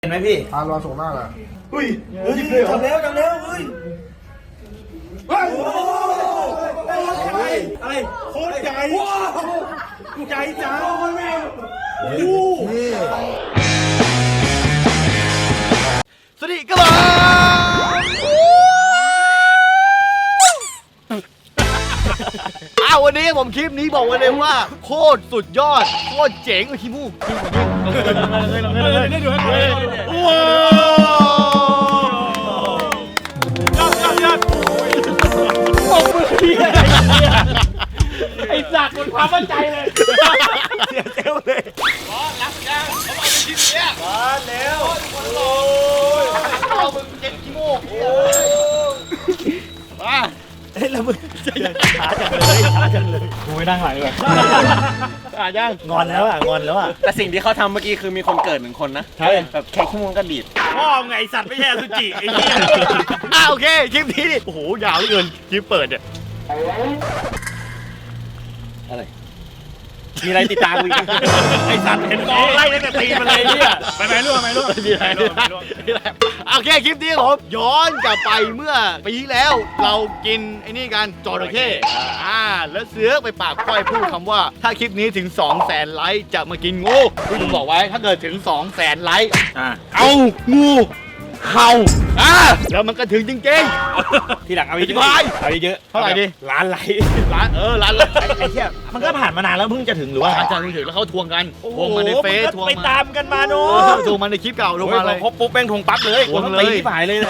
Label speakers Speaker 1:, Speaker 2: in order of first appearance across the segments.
Speaker 1: เห็นไหมพี่
Speaker 2: รอส่งหน้าเลย
Speaker 1: อุ้ยจับแล้วเฮ้ยอะไรโคตรใหญ่ใหญ่จังสวัสดีครับวันนี้ผมคลิปนี้บอกไว้เลยว่าโคตรสุดยอดโคตรเจ๋งขี้มูกเลยดูให้ว้าวบอกมือพี่ไอ้สัตว์หมดความมั่นใจเลยเสียเซลเลยรับยังเขาบอกเป็นชิ้นเนี้ยมาแล้วโอ้ยเอามึงเจ็บขี้มูกมาเฮ้ยแล้วมึงช้าจังเลยกูไม่นั่งหลังเลยยังงอนแล้ว
Speaker 3: แต่สิ่งที่เขาทำเมื่อกี้คือมีคนเกิด1 คนนะใช่แบบแค่ชั่วโมงก็ดีด
Speaker 1: พ่อไงสัตว์ไม่ใช่สุจิไอ้เหี้ยโอเคคลิปนี้โอ้โหยาวเหลือเกินคลิปเปิดเนี่ย
Speaker 3: อะไรมีอะไรติดตามกูอีก
Speaker 1: ไอ้สัตว์เห็นกองไล่ตั้งแต่ตีมาเลยเนี่ยไปล่วงโอเคคลิปนี้ผมย้อนกลับไปเมื่อปีที่แล้วเรากินไอ้นี่กันจระเข้แล้วเสือไปปากก้อยพูดคำว่าถ้าคลิปนี้ถึง 200,000 ไลค์จะมากินงูคุณบอกไว้ถ้าเกิดถึง 200,000 ไลค์เอางูเห่าแล้วมันก็ถึงจริงๆ
Speaker 3: ทีหลังเอาเยอะ
Speaker 1: เท่าไหร่ดิ
Speaker 3: ล้านไลค์
Speaker 1: ล้านไลค์
Speaker 3: ไอ้เหี้ยมันก็ผ่านมานานแล้วเพิ่งจะถึงหรือว่า
Speaker 1: จะถึงแล้วเขาทวงกันทวงมาในเฟซทวง
Speaker 3: ไปตามกันมาโน้
Speaker 1: ทวงมาในคลิปเก่าทวงมาเลย
Speaker 3: พบปุ๊บแป้งทวงปั๊บเลยทวงตีที่ฝ่ายเลย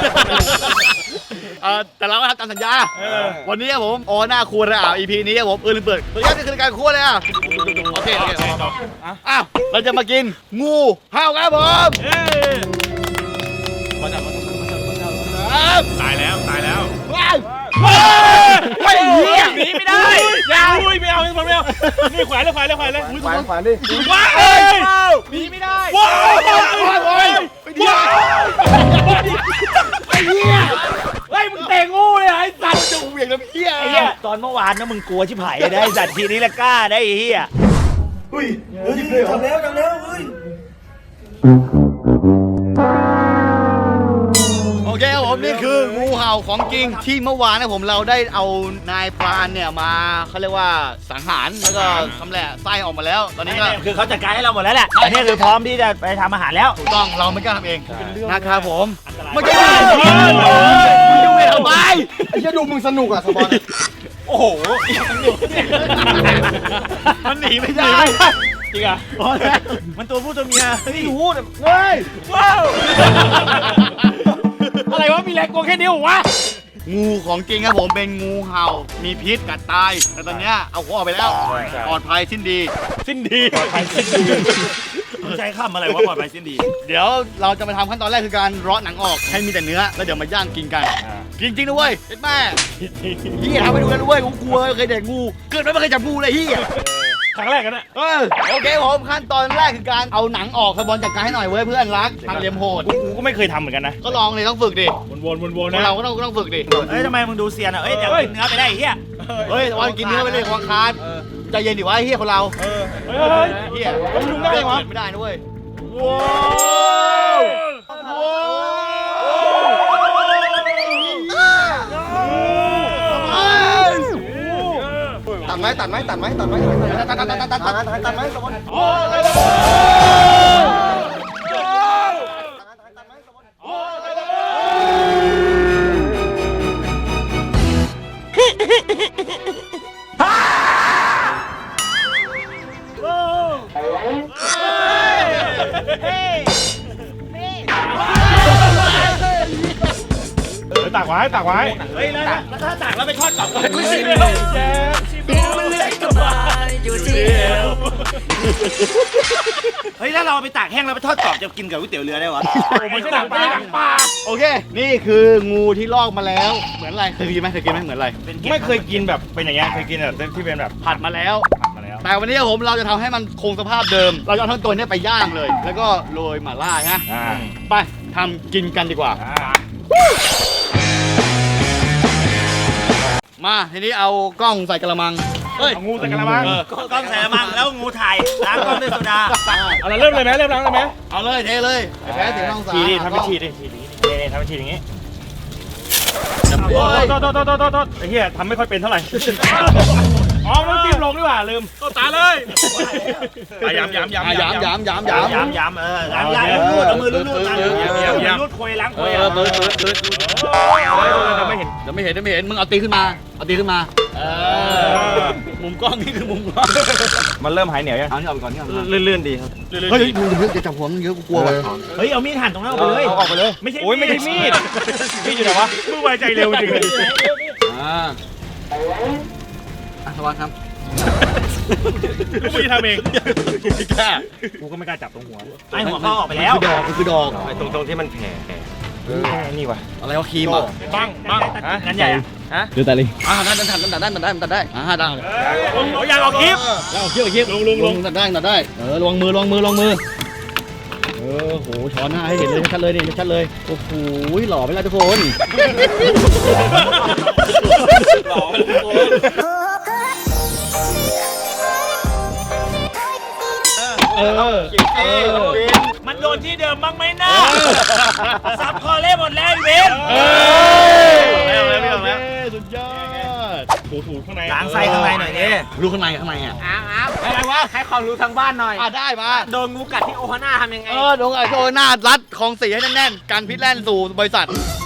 Speaker 1: แต่เราก็ทำตามสัญญาวันนี้ผมหน้าครัวเลยEP นี้ผมลืมเปิดตัวนี้คือการครัวเลยโอเคเราจะมากินงูเห่าครับผม
Speaker 3: ตายแล้ว
Speaker 1: ไม่เหี้ย
Speaker 3: หนีไม่ได้ยาวไม่เอานี่ขวานเลย
Speaker 2: ขวานดิ
Speaker 3: ว้าวหนีไม่ได้
Speaker 1: ว้าวไอ้เหี้ย
Speaker 3: เฮ้ยมึงเตะงูเลยไอ้สัตว์
Speaker 1: จะเหวี่ยงน้ำเหี้ย
Speaker 3: ตอนเมื่อวานนะมึงกลัวชิบหายได้สัตว์ทีนี้ละกล้าได้เหี้ย
Speaker 1: จับแล้วเฮ้ยโอเคครับผมนี่คืองูเห่าของจริงที่เมื่อวานนะผมเราได้เอานายพรานเนี่ยมาเขาเรียกว่าสังหารแล้วก็ทำแหละไส้ออกมาแล้วตอนนี้ก็
Speaker 3: คือเขาจัดการให้เราหมดแล้วแหละอันนี้คือพร้อมที่จะไปทำอาหารแล้ว
Speaker 1: ถูกต้องเราไม่กล้าทำเองนะครับผมมันจะมึงดูทำไม
Speaker 2: ไอ้เหี้ยดูมึงสนุกสปอน
Speaker 3: โอ้โห
Speaker 1: มันหนีไม่ได้
Speaker 3: จริงอ่ะมันตัวผู้ตัวเมีย
Speaker 1: ไม่รู้เฮ้ย
Speaker 3: ว้าวอะไรวะมีแรงกลัวแค่นี้วะ
Speaker 1: งูของจริงครับผมเป็นงูเห่ามีพิษกัดตายแต่ตอนเนี้ยเอาหัวออกไปแล้วปลอดภัยสิ้นดี
Speaker 3: ปลอดภัยสิ้นดีใช้คำอะไรวะปลอดภัยสิ้นดี
Speaker 1: เดี๋ยวเราจะมาทำขั้นตอนแรกคือการเลาะหนังออกให้มีแต่เนื้อแล้วเดี๋ยวมาย่างกินกันจริงนะเว้ยเห็นแม่เฮียทำไปดูกันด้วยกูกลัวเคยเด็กงูเกิดไม่เคยจับงูเลยเฮีย
Speaker 3: ครั้งแรกกันนะ
Speaker 1: โอเคผมขั้นตอนแรกคือการเอาหนังออกสปอนจัดการให้หน่อยเว้ยเพื่อนรักทางเลียมโหด
Speaker 3: กูก็ไม่เคยทำเหมือนกันนะ
Speaker 1: ก็ลองเลยต้องฝึกดิ
Speaker 3: วนนะ
Speaker 1: เราก็ต้องฝึกดิ
Speaker 3: ทำไมมึงดูเซียนอ่ะเดี๋ยวกินเนื้อไปได้เฮีย
Speaker 1: วันกินเนื้อไปเลยควงคานใจเย็นดิวะเฮียคนเราเฮีย
Speaker 3: มึงได้ไหม
Speaker 1: ไม่ได้นะเว้ย
Speaker 2: ตัดไหมตัดไหมสปอน
Speaker 3: ตักไว้เฮ้ยแล้วถ้าตักแล้วไปทอดกรอบก็ไม่ใช่เลยมันเลื้อยกลับมาอยู่ที่เอวเฮ้ยถ้าเราไปตากแห้งแล้วไปทอดกรอบจะกินกับก๋วยเตี๋ยวเรือได้วะ
Speaker 1: ไม่ใช่หนังปลาโอเคนี่คืองูที่ลอกมาแล้วเหมือนอะไรเคยกินไหมเหมือนอะไร
Speaker 3: ไม่เคยกินแบบเป็นอย่างเงี้ยเคยกินแบบที่เป็นแบบ
Speaker 1: ผัดมาแล้วแต่วันนี้เราจะทำให้มันคงสภาพเดิมเราจะเอาทั้งตัวนี้ไปย่างเลยแล้วก็โรยหม่าล่าฮะไปทำกินกันดีกว่ามาทีนี้เอากล้องใส่กระมังเฮ้ย
Speaker 3: เอางูใส่กระมัง
Speaker 4: กล้องใส่กระมังแล้วงูถ่ายล้างกล้องด้วยโซดา
Speaker 3: เอาละเริ่มเลยไหมเริ่มล้างเลยไหม
Speaker 1: เอาเลยเทเลยไอ้แพ้ถึงห้องสาม
Speaker 3: ฉีดดิทำเป็นฉีดดิฉีดดินี่ทำเป็นฉีดอย่างงี้
Speaker 1: โอ้ย
Speaker 3: โทษไอ้เหี้ยทำไม่ค่อยเป็นเท่าไหร่อ๋อมันจิ้มลงดีกว่าลืมตาเลยย้ำ
Speaker 1: ย้ำ
Speaker 4: ย้ำล้างรูดเอามือรูดล้างรูดคุยล้างคุย
Speaker 1: ปืด
Speaker 3: ไม่เห็น
Speaker 1: เดี๋ยวไม่เห็นมึงเอาตีขึ้นมามุมกล้องนี่คือมุมกล้อง
Speaker 3: มันเริ่มหายเหนียวยัง
Speaker 1: เอานี่ออกไปก่อนนี่ออกไปก่อน
Speaker 3: ลื่นๆดีครับ
Speaker 1: เฮ้ยมึงจะจับหัวมึงเยอะกูกลัวว่ะ
Speaker 4: เฮ้ยเอามีดหั่นตรงนั้นออกไปเลย
Speaker 3: เอาออกไปเลยไม่ใช่โอ้ยไม่ใช่มีดมีดอยู่ไหนวะมือไวใจเร็วจริงเลย
Speaker 1: สวัสดีครับ
Speaker 3: กูไม่ทำเอง
Speaker 1: แค่
Speaker 3: กูก็ไม่กล้าจับตรงหัว
Speaker 4: ไอหัวเขาออกไปแล้ว
Speaker 1: คือดอก
Speaker 3: ไอ้ตรงที่มันแผลนี่วะ
Speaker 1: อะไรวะครีมอ่ะ
Speaker 3: บ้างงั้นใหญ่ฮะ
Speaker 1: ดูตาลิได้ตัดได้ได้ได้ได้ได้
Speaker 3: อยากออกคลิป
Speaker 1: เอาเขี้ยวลงตัดได้ลงมือโหช้อนหน้าให้เห็นเลยชัดเลยนี่ชัดเลยโอ้โหหล่อไปแล้วทุกคนหล่อไปทุกคน
Speaker 4: มันโดนที่เดิมบ้างไหมนะซับคอเล่หมดแล้วเวน
Speaker 1: สุดยอด
Speaker 3: ถูข้างใน
Speaker 4: ล้างไส้ข้างในหน่อยดิ
Speaker 1: รู้ข้างในอ่ะอะไรวะ
Speaker 5: ให้ความรู้ทางบ้านหน่อย
Speaker 1: ได้มา
Speaker 5: โดนงูกัดที่โอฮาน่าทำยังไง
Speaker 1: ลงไอ้โจหน้ารัดของสีให้แน่นๆกันพิษแล่นสู่บริษัท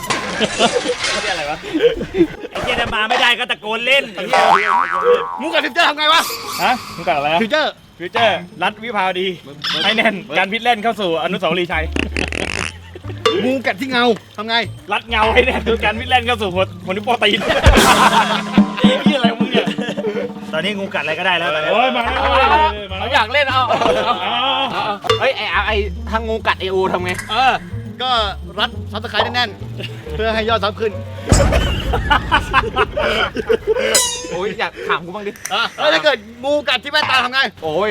Speaker 4: ไอ้เจนมาไม่ได้ก็ตะโกนเล่น
Speaker 1: มูกับฟิวเจอร์ทำไงวะ
Speaker 3: ฮะมึงกัดอะไร
Speaker 1: ฟิวเจอร์
Speaker 3: ฟิวเจอร์รัดวิภาวดีให้แน่นการพิษเล่นเข้าสู่อนุสาวรีย์ชัย
Speaker 1: งูกัดที่เงาทำไง
Speaker 3: รัดเงาให้แน่นการพิษเล่นเข้าสู่หัวนิ้วโป้งตีนนี่อะไรมึงเนี่ย
Speaker 4: ตอนนี้งูกัดอะไรก็ได้แล้ว
Speaker 3: โอ้ยมา
Speaker 5: เขาอยากเล่นเอาเฮ้ยไอ้ทางงูกัดเอโอทำไง
Speaker 1: ก็รัดซับสไครต์แน่นๆเพื่อให้ยอดซับขึ้น
Speaker 5: โอ้ยอยากถามกูบ้างดิ
Speaker 1: แล้วถ้าเกิดงูกัดที่แว่นตาทำไง
Speaker 5: โอ้ย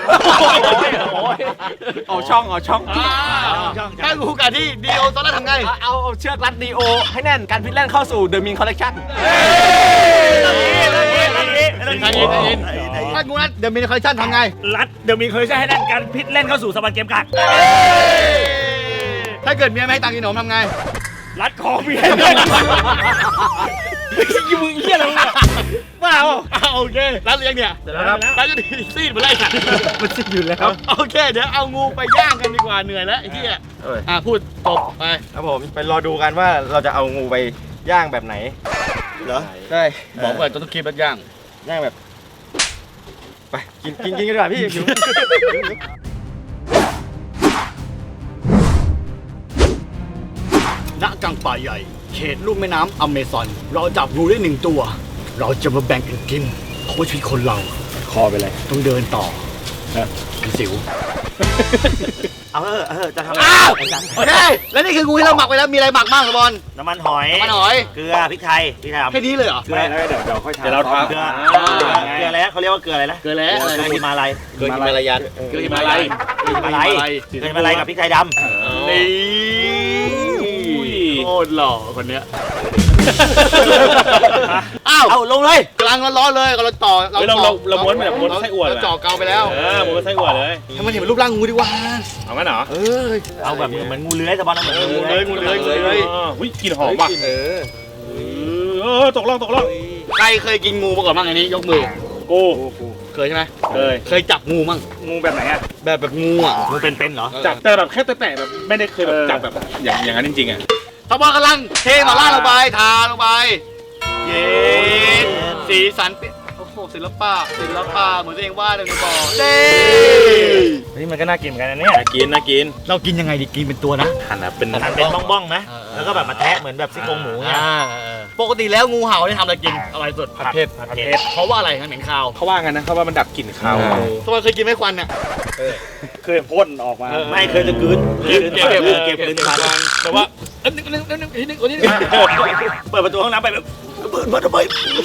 Speaker 5: เอาช่อง
Speaker 1: ถ้างูกัดที่ดีโอตอนนั้นทำไง
Speaker 5: เอาเชือกรัดดีโอให้แน่นการพิษแล่นเข้าสู่เดอะมินคอลเลคชั่น
Speaker 1: ถ้างูนัดเดี๋ยวมีคอลเลคชั่นทำไง
Speaker 4: รัดเดี๋ยวมีเคยใช้ให้นั่นการพิษเล่นเข้าสู่สวรรค์เกมกัด
Speaker 1: ถ้าเกิดเมียไม่ให้ตังค์กินขนมทำไง
Speaker 3: รัดคอเมียมึงเหี้ยอะไรมึงเนี่ยบ้า
Speaker 1: โอเครัดเลี้ยงเนี่ยรัดจะดีซีดเหมือนไรสัตว์มันซีดอยู่แล้วโอเคเดี๋ยวเอางูไปย่างกันดีกว่าเหนื่อยแล้วไอ้ที่พูดจบไป
Speaker 2: ครับผมไปรอดูกันว่าเราจะเอางูไปย่างแบบไหนเหรอใช่
Speaker 1: บอกว่าต้องคลิปแล้วย่าง
Speaker 2: ย่างแบบไปกินกันดีกว่าพี่หิว
Speaker 1: ณกลางป่าใหญ่เขตลุ่มแม่น้ำอเมซอนเราจับงูได้1 ตัว เราจะมาแบ่งกันกินเพราะว่าชีวิตคนเรา
Speaker 3: คอไปเลย
Speaker 1: ต้องเดินต่อเป็นสิว
Speaker 4: จะทำ
Speaker 1: โอเคแล้วนี่คืองูที่เราหมักไปแล้วมีอะไรหมักบ้างบอล
Speaker 4: น้ำมันหอย
Speaker 1: น้ำมันหอย
Speaker 4: เกลือพริกไทยพริกไทย
Speaker 1: แค่นี้เลยเหรอ
Speaker 4: เกลือ
Speaker 3: เดี๋ยวค่อยทำเดี๋ยวเราทำ
Speaker 4: เกลืออะไรเขาเรียกว่าเกลืออะไรนะ
Speaker 1: เกลือแล้ว
Speaker 4: เกลือหิมาลัย
Speaker 2: เกิดมาลายัน
Speaker 1: เกลือหิมาลัย
Speaker 4: เกลือหิมาลัยกับพริกไทยดำ
Speaker 1: นี่โคตรหล่อคนเนี้ยอ้าว
Speaker 4: เอาลงเลย
Speaker 1: กำลังร้อนๆเลยกำลังต่อ
Speaker 3: เราม้วนแบบม้วนไส้อั่ว
Speaker 1: เราจ่อเกาไปแล้ว
Speaker 3: ม้วนไส้อั่วเลย
Speaker 1: ให้มันเห็นเป็นรูปร่างงูดีกว่า
Speaker 3: เอางั้นเหรอ
Speaker 4: เอาแบบเหมือนงูเลื้อยแต่บอลเหมือนงูเลื้อย
Speaker 1: งูเลื้อย
Speaker 3: อุ้ยกลิ่นหอมว่ะตกล่อง
Speaker 1: ใครเคยกินงูมาก่อนบ้างอันนี้ยกมือ
Speaker 3: กู
Speaker 1: เคยใช่ไหม เคยจับงูมั่ง
Speaker 3: งูแบบไหนอ่ะ
Speaker 1: แบบงูอ่ะ
Speaker 4: งูเป็นเหรอ
Speaker 3: จับแต่แบบแค่แตะแบบไม่ได้เคยแบบจับแบบอย่างนั้นจริงๆอ่ะ
Speaker 1: ทบกำลังเทมาล่าลงไปทาลงไปเย็นสีสันโอ้โหศิลปะเหมือนตัวเองวาดเลยในบ่อเด้
Speaker 3: เฮ้ยมันก็น่ากินเหมือนกันนะเนี่ยน่ากิน
Speaker 1: เรากินยังไงดีกินเป็นตัวนะ
Speaker 3: หั่นแบบเป็น
Speaker 4: หั่นเป็นบ้องๆนะแล้วก็แบบมาแทะเหมือนแบบซี่โครงหมูเนี่ย
Speaker 1: ปกติแล้วงูเห่าเนี่ยทำอะไรกินอร่อยสุด
Speaker 3: ผัดเผ็ด
Speaker 1: เพราะว่าอะไรเหม็นคาว
Speaker 3: เขาว่ากันนะเขาว่ามันดับกลิ่นคาว
Speaker 1: ทำไมเคยกินไม่ควันเนี่ย
Speaker 3: เคยพ่นออกมา
Speaker 4: ไม่เคยจะกลืนเก็บกลืนทัน
Speaker 3: แต่ว่า
Speaker 1: นึง
Speaker 4: เปิดประตูห้องน้ำไปแบบเปิดมาทำไม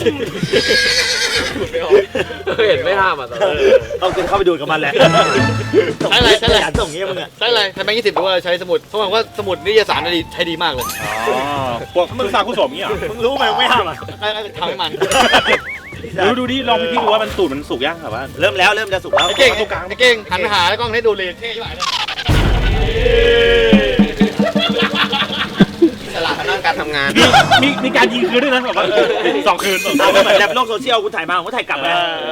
Speaker 5: เห็นไม่ห้ามอ่ะ
Speaker 4: ต้องเข้าไปดูกับมันแหละ
Speaker 1: ใช้อะไร
Speaker 4: ส่งเงี้ยมึงอ่ะ
Speaker 1: ใช้อะไรใช้แบงค์20หรือว่าใช้สมุดเขาบอกว่าสมุดนิตยสารใช้ดีมากเลย
Speaker 3: พวกมึงสร้างกุศลงี้เหรอ
Speaker 4: มึงรู้ไหมไม่ห้ามอ่ะ
Speaker 1: ทำให้มัน
Speaker 3: ดูดิลองพี่ดูว่ามันตูดมันสุกยังแบบว่า
Speaker 2: เริ่มแล้วเริ่มจะสุกแล้ว
Speaker 1: ไอ้เก่งไอ้เก่งหันไปหาแล้วกล้องให้ดูเลยเท่ใช่ไหม
Speaker 2: สละทางด้านการทำงาน
Speaker 3: มีการยิงคืนด้วยนะแบบว่า2 คืน
Speaker 4: เอาเหมือนแบบโลกโซเชียลกูถ่ายมาผมก็ถ่ายกลับไป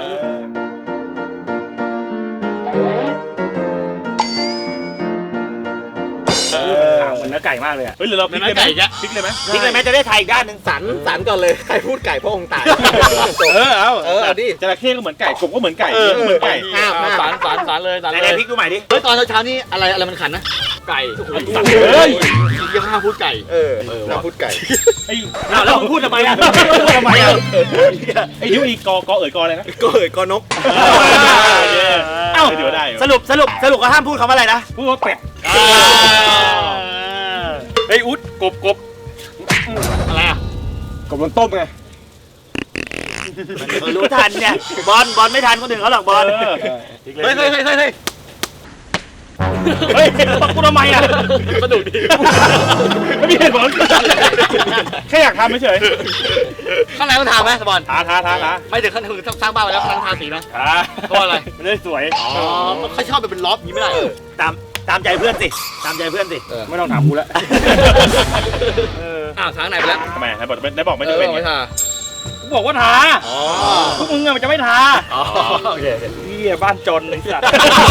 Speaker 3: เหมือนเนื้อไก่มากเลยอ่ะเฮ้ยหรือเราพลิกเลยไหมพลิกเลยไหม
Speaker 4: ทิ้งเลยไหมจะได้ถ่ายอีกด้านหนึ่ง
Speaker 2: สันก่อนเลยใครพูดไก่พระองค์ตาย
Speaker 3: เอาดิจระเข้ก็เหมือนไก่กบก็เหมือนไก่เหมือนไก่
Speaker 1: สารเลยสาร
Speaker 4: ไห
Speaker 1: เล
Speaker 4: น
Speaker 1: ย
Speaker 4: ๆพลิกดูใหม่ดิ
Speaker 1: เฮ้ยตอนเช้านี่อะไรมันขันนะไก่
Speaker 3: เฮ้ย
Speaker 1: ยังห้ามพูดไก่
Speaker 2: น้ำพูดไก่
Speaker 3: ไอ้
Speaker 4: อ้าวแล้วมึงพูดทำไมอ่ะ
Speaker 3: ทำไมอ่ะไอ้ยุอีกอเอ๋ยกออะไรนะ
Speaker 2: ก็กอนก
Speaker 3: เอ้าเดี๋ยวได้
Speaker 4: สรุปก็ห้ามพูดคำว่าอะไรนะ
Speaker 3: พูดว่าเป็ดไอ้อุ๊ดกบ
Speaker 1: อะไรอ่ะ
Speaker 3: กบโดนต้มไง
Speaker 4: รู้ทันเนี่ยบอลไม่ทันคนอื่นเขาหรอกบอล
Speaker 1: เฮ้ย
Speaker 3: เฮ้ยกูทำไมอ่ะ
Speaker 1: สนุกดี
Speaker 3: ไม่มีเหตุผลแค่อยากทำเฉย
Speaker 1: ข้างในมันทาไหมสปอน
Speaker 3: ท้า
Speaker 1: ไม่ถึงขั้นถึงสร้างบ้านไปแล้วข้างทาสีนะ เพราะอะไร
Speaker 3: มันได้สวย
Speaker 1: อ๋อเขาชอบเป็นล็อบอย่างนี้ไม่ได้
Speaker 4: ตามใจเพื่อนสิตามใจเพื่อนสิ
Speaker 3: ไม่ต้องถามกูแล้ว
Speaker 1: อ้าวทางไหนไปแล้ว
Speaker 3: ทำไมได้บอกไม่จะเป็น
Speaker 1: ไม่ทา
Speaker 3: กูบอกว่าทาพวกมึงอะมันจะไม่ทา
Speaker 1: อ๋อโอเค
Speaker 3: เฮียบ้านจนไอ้สัตว์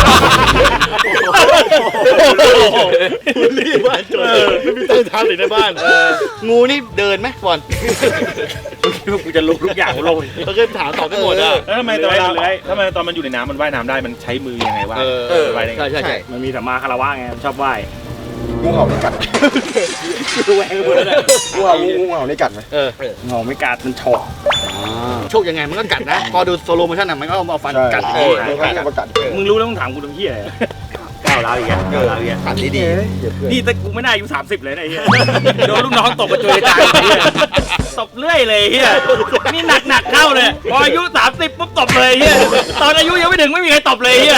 Speaker 1: รีบบ้านจนไม่มีใต้ทางสีในบ้านงูนี่เดินไหมบอล
Speaker 3: กูจะรู้ทุกอย่างลง
Speaker 1: เราเคยถามตอบได้หมดอ่ะ
Speaker 3: แล้วทำไมตอนมันอยู่ในน้ำมันว่ายน้ำได้มันใช้มือยังไงวะว่ายได้ไง
Speaker 1: ใช่
Speaker 3: มันมีสัมมาคารวะไงชอบว่าย
Speaker 2: งูเห่านี่กัด
Speaker 3: ดูแหวงหมดเลย
Speaker 2: งูเห่านี่กัดไหม
Speaker 3: งอไม่กัดมันฉก
Speaker 1: โชคยังไงมันก็กัดนะ พอดูโซโลโมชั่นอ่ะมันก็เอาฟันกัด
Speaker 2: มันก็จะมากัด
Speaker 3: มึงรู้แล้วมึงถามกูทำเหี้ย
Speaker 4: ก้าวร้าวอีกแล้วก้าวร้าวอีกแล้ว
Speaker 2: กัดดี
Speaker 3: นี่แต่กูไม่น่าอายุ30เลยนะไอ้เหี้ยโดนลูกน้องตบกระจุยกระจายตบเรื่อยเลยเหี้ยนี่หนักเข้าเลยพออายุ30ปุ๊บตบเลยเหี้ยตอนอายุยังไม่ถึงไม่มีใครตบเลยเหี้ย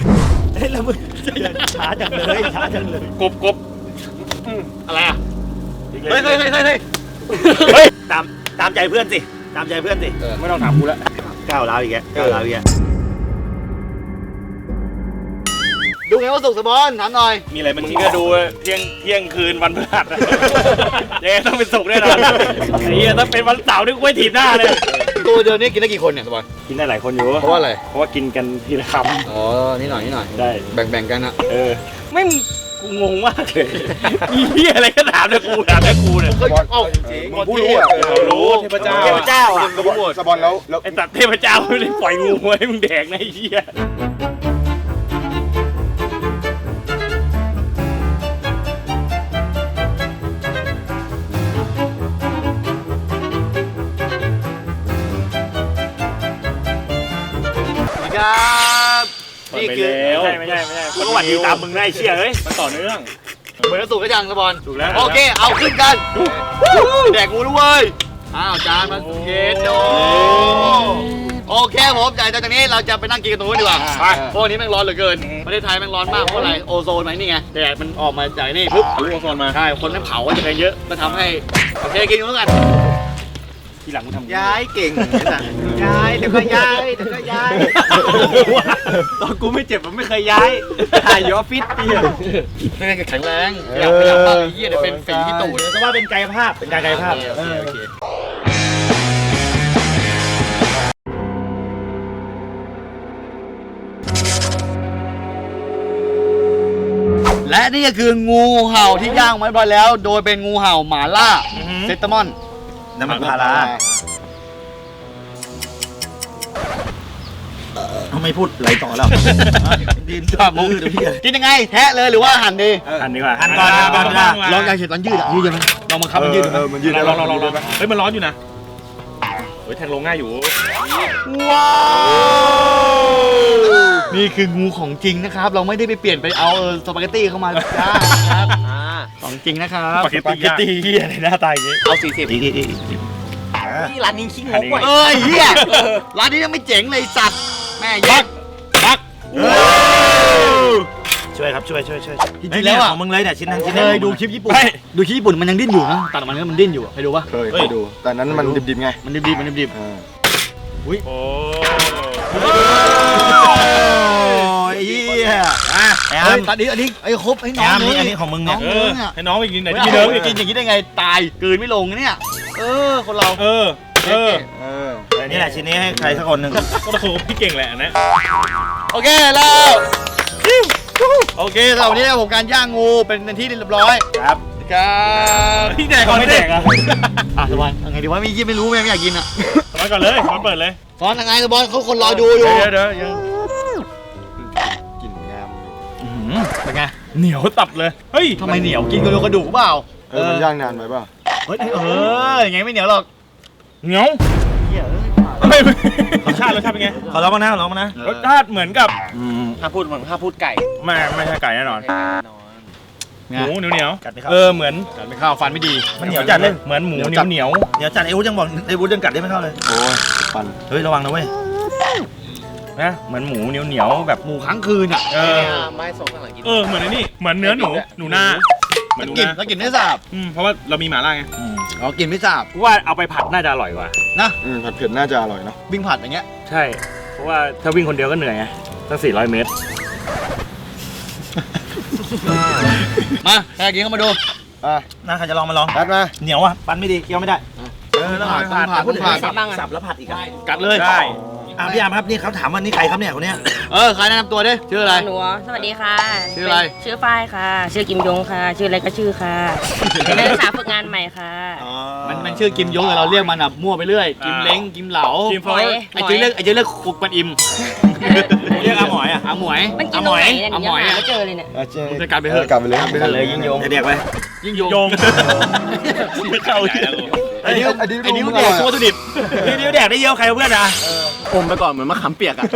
Speaker 4: ช้าจังเลย
Speaker 3: กบ
Speaker 1: อะไรอ่ะเฮ้ย
Speaker 4: ตามใจเพื่อนสิตามใจเพื่อนสิ
Speaker 3: ไม่ต้องถามกูแล้ว
Speaker 4: ก้าวร้าวอีกแล้วก้าวร้าวอีกแล้ว
Speaker 1: ดูไงว่าสุกสบอนถามหน่อย
Speaker 3: มีอะไรมันที่ก็ดูเที่ยงคืนวันพฤหัสยังไงต้องเป็นสุกแน่นอนไอ้เหี้ยถ้าเป็นวันเสาร์นี่กูไม่ถีบหน้าเลย
Speaker 1: ตัวเดียวนี้กินได้กี่คนเนี่ยสบอน
Speaker 3: กินได้หลายคนอยู่
Speaker 1: เพราะว่าอะไร
Speaker 3: เพราะว่ากินกันทีละค
Speaker 1: อ๋อนี่หน่อย
Speaker 3: ำได้
Speaker 1: แบ่งกันนะ
Speaker 3: ไม่กูงงมากเลยมีเหี้ยอะไรก็ถามแต่กูเนี่ย
Speaker 1: เฮ้ยเอ้า
Speaker 2: ๆมึงผู้รู้อ่ะ
Speaker 3: รู้เทพเจ้า
Speaker 4: เทพเจ้าอ่ะ
Speaker 2: สปอนแล้ว
Speaker 3: ไอ้ตัดเทพเจ้าไม่ได้ปล่อยงูให้มึงแดกนะไอ้เหี้ย
Speaker 1: ครับนี่คือ
Speaker 3: ไม่ใช่
Speaker 4: กูก็หวัดดีตามมึงได้เชี่ยเฮ้ย
Speaker 3: มันต่อเนื่อง
Speaker 1: เหมือนสุกก็ยังสบอน
Speaker 3: ถูกแล้ว
Speaker 1: โอเคเอาขึ้นกันแดกงูด้วยอ้าวจานมาเย็นโดโอเคผมจากนี้เราจะไปนั่งกินกันตรงนู้นดีกว่าเพราะวันนี้แม่งร้อนเหลือเกินประเทศไทยแม่งร้อนมากเพราะอะไรโอโซนไหมนี่ไงแดดมันออกมาจากนี่ปุ๊บ
Speaker 3: รู้โอโซนมา
Speaker 1: ใช่คนนั้นเผาก็จะไปเยอะก็ทำให้โอเคกินกันแล้วกัน
Speaker 3: ทีหลังมึงทำ
Speaker 2: ย้ายเก่ง
Speaker 4: ย้ายเดี๋ยวก็ย้ายตอนกูไม่เจ็บมันไม่เคยย้ายถ่ายอยู่ออฟฟิศเตี้ย
Speaker 1: ไม่ได้แข็งแรงอยากไปอยากบ้างเยี่ยเดี๋ยวเป็นฝีที่ตูด
Speaker 4: ก็ว่าเป็นกายภาพเป็นการกายภาพ
Speaker 1: โอเคและนี่ก็คืองูเห่าที่ย่างไว้เรียบร้อยแล้ว โดยเป็นงูเห่าหมาล่าเซตามอน
Speaker 2: น้ำมันพารา
Speaker 4: ทำไมพูดไหลต่อแล้ว
Speaker 1: ดินข้ามุกกินยังไงแทะเลยหรือว่าหั่นดี
Speaker 3: หั่นดีกว่า
Speaker 4: หั่นก่อน
Speaker 1: ลองอยากเห็นตอนยืดอ่ะยืดยังไงลองบังคับมันยืดดูไหม
Speaker 2: มันยืด
Speaker 3: ลองเฮ้ยมันร้อนอยู่นะเฮ้ยแทงลงง่ายอยู่
Speaker 1: ว้าวนี่คืองูของจริงนะครับ เราไม่ได้ไปเปลี่ยนไปเอาสปาเกตตี้เข้ามาจ้านะครับของจริงนะครับ
Speaker 3: สปาเกตตี้เฮียในหน้าตาอย่างงี้
Speaker 1: เอา40
Speaker 4: นี่ร้านนี้ขี้งกว่ะ
Speaker 1: เอ้ยเฮียร้านนี้ยังไม่เจ๋งเลยสัตว์แม่ยักษ์
Speaker 4: ช่วยครับช่วย
Speaker 1: จริงๆแล้วอ่ะ
Speaker 4: ของมึงเลยเนี่ยชิ้นทั้งชิ้น
Speaker 1: เคยดูคลิปญี่ปุ่นดูคลิปญี่ปุ่นมันยังดิ้นอยู่นะตัดออกมาแล้วมันดิ้นอยู่เคยดูปะ
Speaker 2: เคยดูแต่นั้นมันดิบๆไง
Speaker 1: มันดิบอุ้ย
Speaker 3: โอ้
Speaker 2: ยเหี้ยอ่ะไอ้
Speaker 1: เฮ้
Speaker 2: อาย ม
Speaker 1: ตัดนี้อันนี้ไอ้ครบให้น้อง
Speaker 2: ไอ้อาร์ม
Speaker 1: เลย
Speaker 2: อันนี้ของมึงเนี่ย
Speaker 1: น้องเนี่ย
Speaker 3: ให้น้องไปกินไหน
Speaker 1: ไม่
Speaker 3: ที่
Speaker 1: มี
Speaker 3: มี
Speaker 1: เดิ
Speaker 3: เดิ
Speaker 1: ม
Speaker 3: ม
Speaker 1: กินอย่างนี้ได้ไงตายกลืนไม่ลงเนี่ยคนเรา
Speaker 3: เออ
Speaker 2: นี่แหละชิ้นนี้ให้ใครสักคนหนึ่ง
Speaker 3: ก็ต้องคือพี่เก่งแหละอันนะ
Speaker 1: โอเคแล้วโอเคสำหรับวันนี้ผมการย่างงูเป็นที่เรียบร้อย
Speaker 2: ครับ
Speaker 1: ครับ
Speaker 3: พี่แดกก่อนไม่แดกอ่ะ
Speaker 1: สบายยังไงดีวะมียี่ไม่รู้ไม่อยากกินอ่ะ
Speaker 3: มาก่อนเลยมาเปิดเลย
Speaker 1: ซ้อนยังไงสบอลเขาคนรอดูอยู่
Speaker 3: เดี๋ยวยัง
Speaker 2: กลิ่นงาม
Speaker 1: เป็นไง
Speaker 3: เหนียวตับเลยเฮ้ย
Speaker 1: ทำไมเหนียวกินกระดูกเปล่า
Speaker 2: มันย่างนานไปป่ะ
Speaker 1: เฮ้ยยังไงไม่เหนียวหรอก
Speaker 3: เหนียว
Speaker 1: เหี้ย
Speaker 3: เฮ้ยรสชาติเป็นไง
Speaker 2: ขอร้องมานะขอร้องมานะ
Speaker 3: รสชาติเหมือนกับ
Speaker 5: ถ้าพูดเหมือนถ้าพูดไก่
Speaker 3: ไม่ใช่ไก่แน่นอนหมูเหนียว
Speaker 2: กัดไหมครับ
Speaker 3: เหมือน
Speaker 1: การไม่ข้าวฟันไม่ดี
Speaker 2: มันเหนียวจัดเลย
Speaker 3: เหมือนหมูเหนียว
Speaker 2: เดี๋ยวจัดไอ้วุ้ยังบอกไอ้วุ้ยังกัดได้ไม่เข้าเลยโอ้ยปั่นเฮ้ยระวังนะเว้ย
Speaker 3: นะเหมือนหมูเหนียวแบบ
Speaker 1: หมูค้างคืนอ่ะ
Speaker 5: ไม้ส่งข้างหลังกิน
Speaker 3: เหมือนไอ้นี่เหมือนเนื้อหนูนาเหมือนหนู
Speaker 1: กิน
Speaker 3: นา
Speaker 1: แล้วกินไม่สาบ
Speaker 3: เพราะว่าเรามีหม่าล่าไง
Speaker 1: อ๋อกินไม่สาบ
Speaker 3: กูว่าเอาไปผัดน่าจะอร่อยกว่า
Speaker 1: นะ
Speaker 2: ผัดเผ็ดน่าจะอร่อยเนาะ
Speaker 1: วิ่งผัดอย่างเงี้ย
Speaker 3: ใช่ เพราะว่าถ้าวิ่งคนเดียวก็เหนื่อยไงตั้ง400 เมตร
Speaker 1: มาใครกินเข้ามาดู
Speaker 2: น่าใครจะลองมาลองกัดมาเหนียวอ่ะปั่นไม่ดีเคี้ยวไม่ได้แล้ว
Speaker 1: ผัด
Speaker 2: พูดถึง
Speaker 1: ผัด
Speaker 2: สับแล้วผัดอีกอ่ะ
Speaker 1: กัดเลย
Speaker 3: ได้
Speaker 2: พี่อาร์มครับนี่เขาถามว่านี่ใครครับเนี่ยคนเนี้ย
Speaker 1: ใครแนะนำตัวดิชื่ออะไร
Speaker 6: หนูสวัสดีค่ะ
Speaker 1: ชื่ออะไร
Speaker 6: ชื่อฝ้ายค่ะ ชื่อกิมยงค่ะ ชื่ออะไรก็ชื่อค่ะ เป็นนักศึกษาฝึกงานใหม่ค่ะ
Speaker 1: มันชื่อกิมยงแต่เราเรียกมันอ่ะมั่วไปเรื่อยกิมเล้งกิมเหลา
Speaker 3: กิมฟอร์
Speaker 1: ไอ้เจ๊เรียกคุกปันอิม
Speaker 2: เรียกอาหมอยอ่ะ
Speaker 1: อาหมวย
Speaker 6: มันกินตรงไหนเนี่ยหนูยังหาไม่เจอเลยเนี่ย
Speaker 1: จะกลับไปเถอะ
Speaker 2: กลับไปเลยกันเลยยิ่งยงเด็กไป
Speaker 1: ยิ่งยง
Speaker 3: โยงเข้าใหญ่แล้ว
Speaker 1: ไอ้นิ้วเด็กตัววัตถุดิบ
Speaker 2: พี่นิ้วแดกได้เยอะใครเพื่อนอ่ะ
Speaker 5: อมไปก่อนเหมือนมะขามเปียกอ่ะ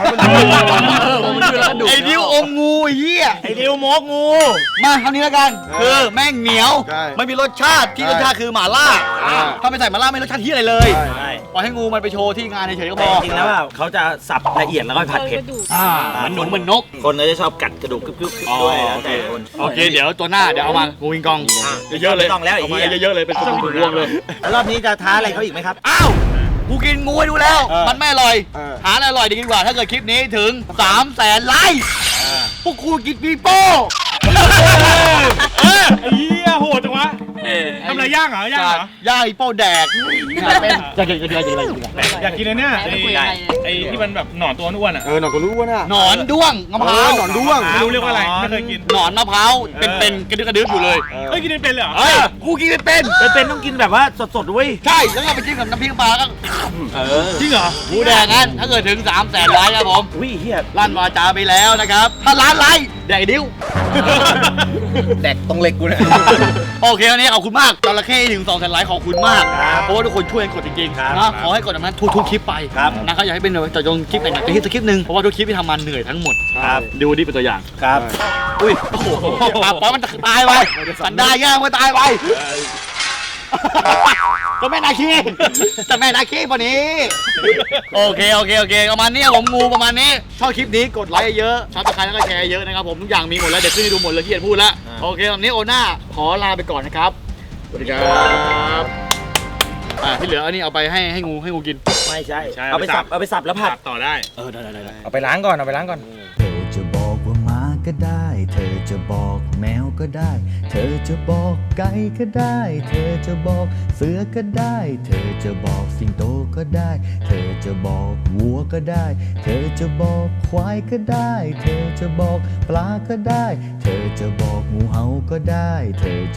Speaker 1: ไอ้นิ้วอมงูไอ้เหี้ย
Speaker 2: ไอ้นิ้วมกงู
Speaker 1: มาคำนี้แล้วกันคือแม่งเหนียวไม่มีรสชาติที่รสชาติคือหม่าล่าถ้าไม่ใส่หม่าล่าไม่รสชาติที่อะไรเลย
Speaker 2: ใช่
Speaker 1: ปล่อยให้งูมันไปโชว์ที่งานเฉยๆก็พ
Speaker 2: แต่
Speaker 1: อ
Speaker 2: จริงๆแล้วเขาจะสับละเอียดแล้วก็ผัดเผ็ด
Speaker 1: มันหนุนเหมือนนก
Speaker 2: คนก็จะชอบกัดกระดูกกรึบๆด้วยแล้วแต่คน
Speaker 1: โอเคเดี๋ยวตัวหน้าเดี๋ยวเอามางูวิงกองเยอะๆเลย
Speaker 2: ไม่ต้องแล้วไอ้
Speaker 1: เอา
Speaker 2: เหี้
Speaker 1: มาย เยอะๆเลยเป็นตัวรวงเลย
Speaker 2: แล้วรอบนี้จะท้าอะไรเขาอีกไหมครับ
Speaker 1: อ้าวกูกินงูให้ดูแล้ว
Speaker 2: เออ
Speaker 1: มันไม่อร่อย
Speaker 2: เออ
Speaker 1: หาอะไรอร่อยดีกว่าถ้าเกิดคลิปนี้ถึง 300,000 ไลค์พวกคุณกินปีโป้
Speaker 3: ไอ้เหี้ยโหดจังวะทำอะไรย่างเหรอย่างเหร
Speaker 1: ย่างอีโป้แดกเป็นจะกินอะไร
Speaker 3: อยากกินเลยเนี่ย
Speaker 6: ไม่คุยอะไรเลย
Speaker 3: ไอ้ที่มันแบบหนอนตัวอ้วนๆอ่ะ
Speaker 2: หนอนก็รู้ว่าน่ะ
Speaker 1: หนอนด้วงมะพร้าว
Speaker 2: หนอนด้วง
Speaker 3: ไม่รู้เรียกว่าอะไรไม่เคยกิน
Speaker 1: หนอนมะพร้าวเป็นกระดึ๊บอยู่เลย
Speaker 3: เฮ้ยกินเป็นเลยเหรอ
Speaker 1: เฮ้ยกูกินไม่เป็น
Speaker 2: เป็นต้องกินแบบว่าสดๆด้วย
Speaker 1: ใช่แล้วก็ไปจิ้มกับน้ำพริกปลาก็
Speaker 3: จริงเหรอ
Speaker 1: หมูแดงงั้นถ้าเกิดถึง 300,000 ไลค์ครับผม
Speaker 2: อุ้ยเฮีย
Speaker 1: ลั่นวาจาไปแล้วนะครับ ถ้าล้านไลค์แดกดิ้ว
Speaker 5: แดกตรงเหล็กกูเนี่ย
Speaker 1: โอเควันนี้ขอบคุณมากจระเข้ถึง 200,000 ไลค์ขอบคุณมาก เพราะว่าทุกคนช่วยกันกดจริงๆนะขอให้กดแบบนั้นทุกคลิปไปนะครับอยากให้เป็นต่อยงคลิปไหนๆคลิปนึงเพราะว่าทุกคลิปที่ทำมาเหนื่อยทั้งหมดดูดิเป็นตัวอย่าง
Speaker 2: ครับ
Speaker 1: อุ้ยโอ้โหปล่อยมันตายไปสันได้ย่างมันตายไปเจะแม่นาคีเจะแม่นาคีวันนี้โอเคประมาณนี้ผมงูประมาณนี้ชอบคลิปนี้กดไลค์เยอะซับสไครต์แล้วก็แชร์เยอะนะครับผมทุกอย่างมีหมดแล้วเดี๋ยวขึ้นให้ดูหมดเลยที่เห็นพูดแล้วโอเควันนี้โอน่าขอลาไปก่อนนะครับสวัสดีครับที่เหลืออันนี้เอาไปให้งูกิน
Speaker 2: ไม่ใช่เอาไปสับแล้วผัด
Speaker 3: ต่อได้
Speaker 1: ได้
Speaker 3: เอาไปล้างก่อนเอาไปล้างก่อน
Speaker 7: เธอจะบอกว่าหมาก็ได้ เธอจะบอกแมวก็ได้ เธอจะบอกไก่ก็ได้ เธอจะบอกเสือก็ได้ เธอจะบอกสิงโตก็ได้ เธอจะบอกวัวก็ได้ เธอจะบอกควายก็ได้ เธอจะบอกปลาก็ได้ เธอจะบอกงูเห่าก็ได้ เธอ